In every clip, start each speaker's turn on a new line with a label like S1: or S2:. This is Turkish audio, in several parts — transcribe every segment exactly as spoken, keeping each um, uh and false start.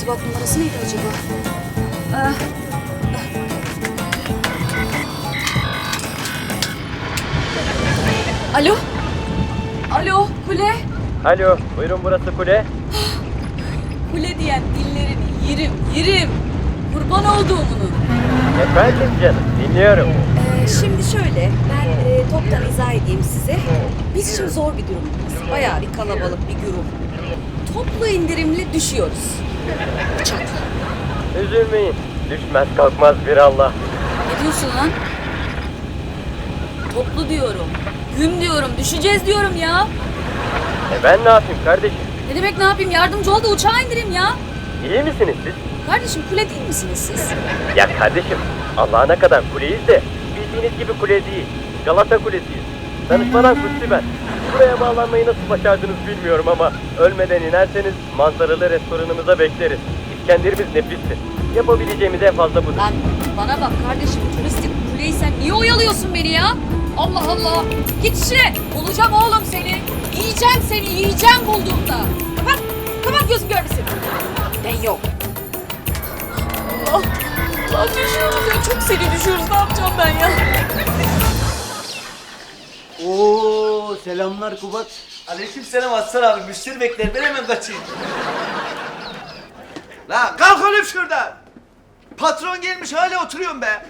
S1: irtibat numarası neydi acaba? Ah. Alo? Alo, Kule?
S2: Alo, buyurun burası kule.
S1: Kule diyen dillerini yerim, yerim. Kurban olduğumunun.
S2: Efendim canım, dinliyorum.
S1: Ee, şimdi şöyle, ben e, toptan izah edeyim size. Biz şimdi zor bir durumdayız. Bayağı bir kalabalık bir grup. Toplu indirimli düşüyoruz. Uçakla.
S2: Üzülmeyin, düşmez kalkmaz bir Allah.
S1: Ne diyorsun lan? Toplu diyorum. Gün diyorum, düşeceğiz diyorum ya.
S2: E ben ne yapayım kardeşim?
S1: Ne demek ne yapayım? Yardımcı ol da uçağa indireyim ya.
S2: İyi misiniz siz?
S1: Kardeşim kule değil misiniz siz?
S2: Ya kardeşim, Allah'ına kadar kuleyiz de bildiğiniz gibi kule değil. Galata Kulesi'yiz. Danışmadan Kutsi ben. Buraya bağlanmayı nasıl başardınız bilmiyorum ama ölmeden inerseniz manzaralı restoranımıza bekleriz. İskenderimiz nefistir. Yapabileceğimiz en fazla budur.
S1: Lan bana bak kardeşim, turistik kuleyi sen niye oyalıyorsun beni ya? Allah Allah! Git işine! Bulacağım oğlum seni! Yiyeceğim seni, yiyeceğim bulduğumda! Kapat! Kapat gözüm görmesin! Ben yok! Allah! Lan düşüyoruz ya, çok seni düşüyoruz, ne yapacağım ben ya?
S3: Oo, selamlar Kubat.
S4: Aleykümselam Aslan abi. Müşteri bekler. Ben hemen kaçayım. La kalk oğlum şuradan. Patron gelmiş hala oturuyorum be.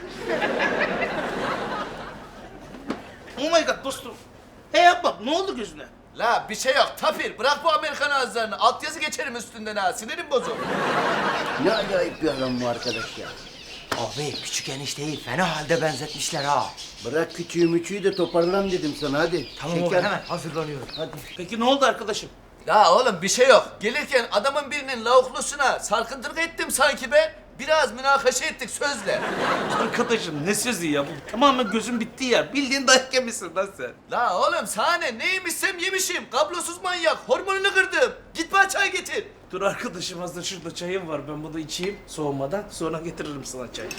S3: Oh my god dostum. Hey yap bak, ne oldu gözüne?
S4: La bir şey yok. Tapir bırak bu Amerikan ağızlarını. Altyazı geçerim üstünden ha. Sinirim bozuk.
S3: Ne acayip bir adam bu arkadaş ya.
S5: Abi küçük enişteyi fena halde benzetmişler ha.
S3: Bırak küçüğü müçüğü de toparlan dedim sana hadi.
S5: Tamam oğlum,
S3: Şeker.
S5: hemen hazırlanıyorum.
S3: Hadi.
S6: Peki ne oldu arkadaşım?
S4: Ya oğlum bir şey yok. Gelirken adamın birinin lavuklusuna sarkıntılık ettim sanki be. Biraz münakaşa ettik sözle.
S6: Arkadaşım ne sözü ya? Bu tamamen gözün bitti ya. Bildiğin dayak yemişsin lan sen.
S4: La oğlum sana ne? Ne yemişsem yemişim. Kablosuz manyak. Hormonunu kırdım. Git bana çay getir.
S6: Dur arkadaşım, hazır şurada çayım var. Ben bunu içeyim soğumadan. Sonra getiririm sana çay.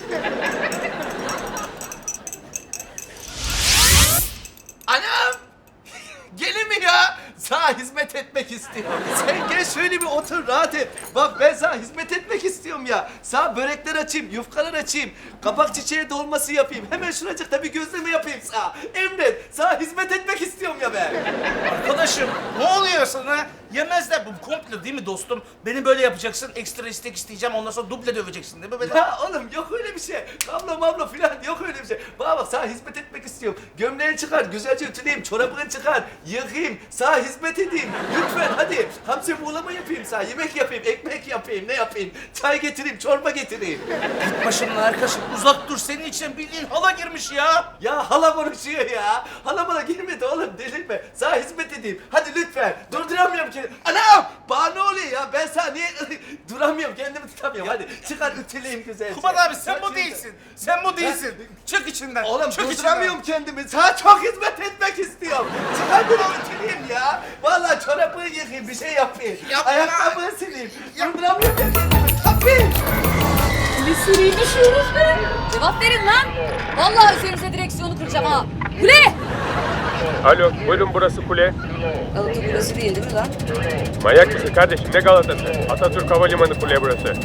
S4: Anam! Gelin mi ya? Sana hizmet etmek istiyorum. Sen gel şöyle bir otur rahat et. Bak ben sana hizmet etmek istiyorum ya. Sana börekler açayım, yufkalar açayım. Kabak çiçeği dolması yapayım. Hemen şuracıkta bir gözleme yapayım sana. Emret, sana hizmet etmek istiyorum ya ben.
S6: Arkadaşım ne oluyor sana? Yemezler, bu komplo değil mi dostum? Beni böyle yapacaksın, ekstra istek isteyeceğim, ondan sonra duble döveceksin değil mi? Beni?
S4: Ya oğlum yok öyle bir şey. Kablo mablo filan yok öyle bir şey. Bana bak sana hizmet etmek istiyorum. Gömleğini çıkar, güzelce ütüleyeyim, çorabını çıkar, yıkayayım, sana hizmet edeyim. Lütfen hadi. Hamsi buğulama yapayım sana, yemek yapayım, ekmek yapayım, ne yapayım? Çay getireyim, çorba getireyim.
S6: Git başımdan arkadaşım, uzak dur, senin için bildiğin hala girmiş ya.
S4: Ya hala konuşuyor ya. Hala bana girmedi oğlum, delirme. Sana hizmet edeyim. Hadi lütfen. Durduramıyorum ki. Anam! Bana ne oluyor ya? Ben sana niye duramıyorum, kendimi tutamıyorum. Hadi çıkar ütüleyim güzelce.
S6: Kubat abi sen
S4: Hadi.
S6: bu değilsin. Sen bu değilsin. Çık içinden.
S4: Oğlum
S6: Çık
S4: durduramıyorum kendimi. Sana çok hizmet etmek istiyorum. Çıkar bir ütüleyim ya. Vallahi çorabını yıkayayım, bir şey yapayım.
S6: Yapma.
S4: Ayakkabını sileyim. Durduramıyorum kendimi. Tabii.
S1: Ne sürüyü düşüyoruz be? Cevap verin lan! Vallahi üzerinize direksiyonu kıracağım ha! Kule!
S2: Alo, buyurun burası kule.
S1: Galata Kulesi değil değil mi lan?
S2: Manyak mısın kardeşim, ne Galata'sı? Atatürk Havalimanı kule burası.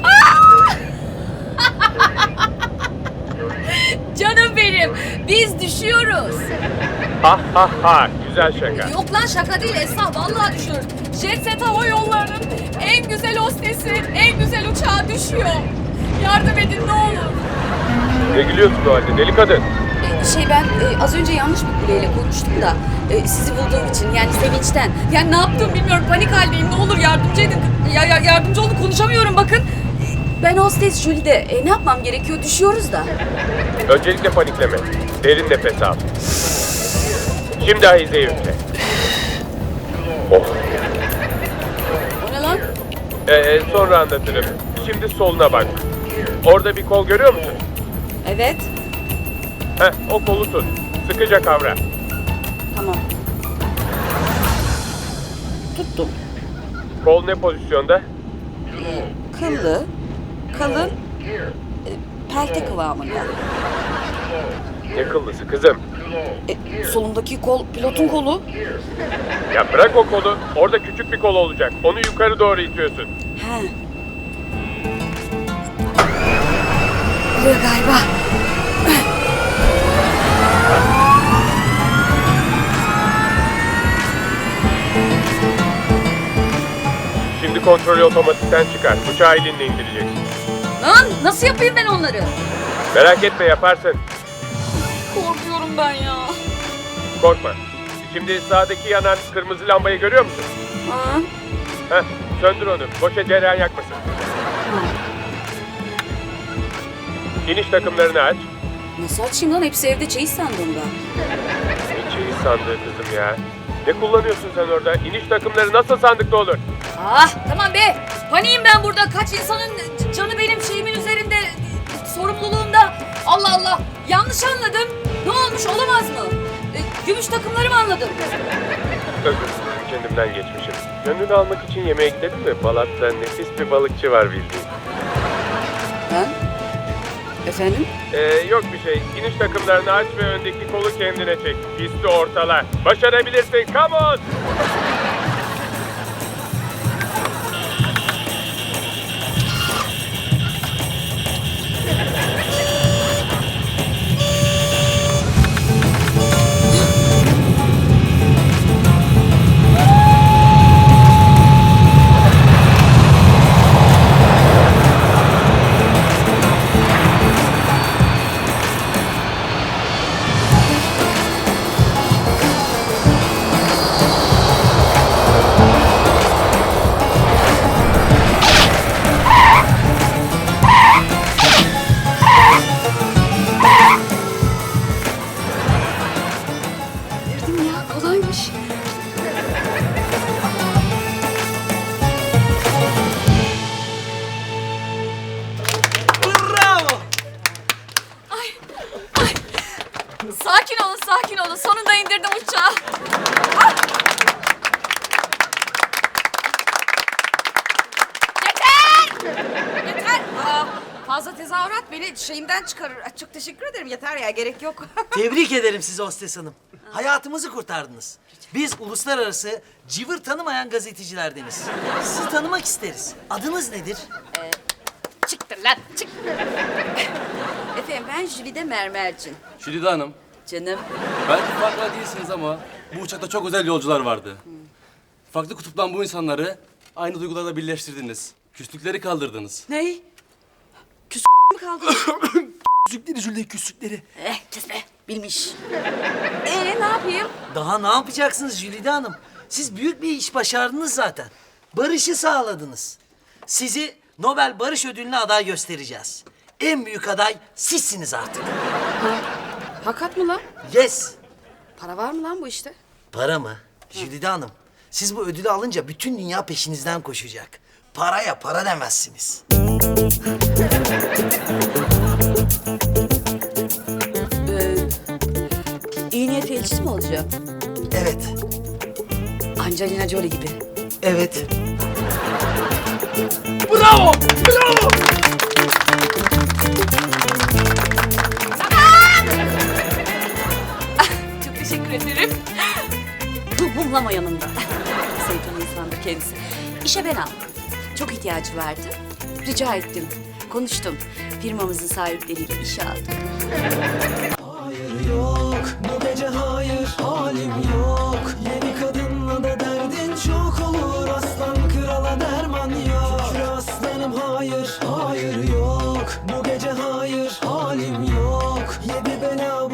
S1: Canım benim! Biz düşüyoruz!
S2: Ha ha ha, güzel şaka.
S1: Yok lan şaka değil Esra, vallahi düşüyoruz. Jet Set Hava Yolları'nın en güzel hostesi, en güzel uçağı düşüyor. Yardım edin ne olur.
S2: Ne gülüyorsun o halde deli kadın?
S1: Ee, Şey ben e, az önce yanlış bir kuleyle konuştum da e, sizi bulduğum için yani sevinçten. Yani ne yaptım bilmiyorum, panik haldeyim, ne olur yardımcı edin. Ya, ya yardımcı olun, konuşamıyorum bakın. Ben hostes Jülide. E, ne yapmam gerekiyor? Düşüyoruz da.
S2: Öncelikle panikleme. Derin nefes al. Şimdi ahizeyi üfle. Oh.
S1: O ne lan?
S2: Ee, sonra anlatırım. Şimdi soluna bak. Orada bir kol görüyor musun?
S1: Evet.
S2: Heh, o kolu tut. Sıkıca kavra.
S1: Tamam. Tuttum.
S2: Kol ne pozisyonda?
S1: Kıllı, kalın, e, pelte kıvamında.
S2: Ne kıllısı kızım?
S1: E, solundaki kol pilotun kolu.
S2: Ya bırak o kolu. Orada küçük bir kol olacak. Onu yukarı doğru itiyorsun.
S1: He. Oluyor galiba.
S7: Şimdi kontrolü otomatikten çıkar. Uçağı elinle indireceksin.
S1: Lan nasıl yapayım ben onları?
S7: Merak etme yaparsın.
S1: Korkuyorum ben ya.
S7: Korkma. Şimdi sağdaki yanan kırmızı lambayı görüyor musun?
S1: Aa,
S7: Heh, söndür onu. Boşa cereyan yakmasın. İniş takımlarını aç.
S1: nasıl açayım lan? Hepsi evde çeyiz sandım ben.
S7: Ne çeyiz sandığı kızım ya. Ne kullanıyorsun sen orada? İniş takımları nasıl sandıkta olur?
S1: Ah tamam be. Paniğim ben burada. Kaç insanın canı benim şeyimin üzerinde, sorumluluğumda. Allah Allah. Yanlış anladım. Ne olmuş, olamaz mı? E, gümüş takımları mı anladım?
S7: Özür dilerim, kendimden geçmişim. Gönlünü almak için yemeğe gidelim mi? Balat'ta nefis bir balıkçı var bildiğin.
S1: Ben? Efendim?
S7: Ee, yok bir şey. İniş takımlarını aç ve öndeki kolu kendine çek. Pisti ortala. Başarabilirsin. Come on!
S1: Girdim ya, kolaymış.
S4: Bravo.
S1: Sakin olun, sakin olun. Sonunda indirdim uçağı. Ah! Yeter! Yeter! Aa, fazla tezahürat beni şeyimden çıkarır. Ay, çok teşekkür ederim. Yeter ya, gerek yok.
S5: Tebrik ederim sizi hostes hanım. Hayatımızı kurtardınız. Biz uluslararası cıvır tanımayan gazetecilerdeniz. Sizi tanımak isteriz. Adınız nedir?
S1: Çıktır lan, çık. Efendim ben Jülide Mermercin.
S8: Jülide Hanım,
S1: Canım.
S8: belki farkında değilsiniz ama bu uçakta çok özel yolcular vardı. Farklı kutuptan bu insanları aynı duygularla birleştirdiniz. Küslükleri kaldırdınız.
S1: Ney? Küs mü kaldı?
S5: Küçükleri Jülide küçükleri.
S1: eh kes be, bilmiş. Ee ne yapayım?
S5: Daha ne yapacaksınız Jülide Hanım? Siz büyük bir iş başardınız zaten. Barışı sağladınız. Sizi Nobel Barış Ödülü'ne aday göstereceğiz. En büyük aday sizsiniz artık.
S1: Hakikat mı lan?
S5: Yes.
S1: Para var mı lan bu işte?
S5: Para mı? Jülide Hanım, siz bu ödülü alınca bütün dünya peşinizden koşacak. Paraya para demezsiniz.
S1: Ee, iyi niyet elçisi mi olacağım?
S5: Evet,
S1: Angelina Jolie gibi.
S5: evet.
S4: Bravo. Bravo.
S1: Çok teşekkür ederim. Bu mumlama yanında. Sevdiğim insandır kendisi. İşe ben aldım. Çok ihtiyacı vardı. Rica ettim. Konuştum. Firmamızın sahipleriyle işe aldım.
S9: Hayır yok, bu gece hayır, halim yok. Yeni kadınla da derdin çok olur, aslan krala derman yok. Şükür aslanım hayır, hayır yok. Bu gece hayır, halim yok. Yedi bela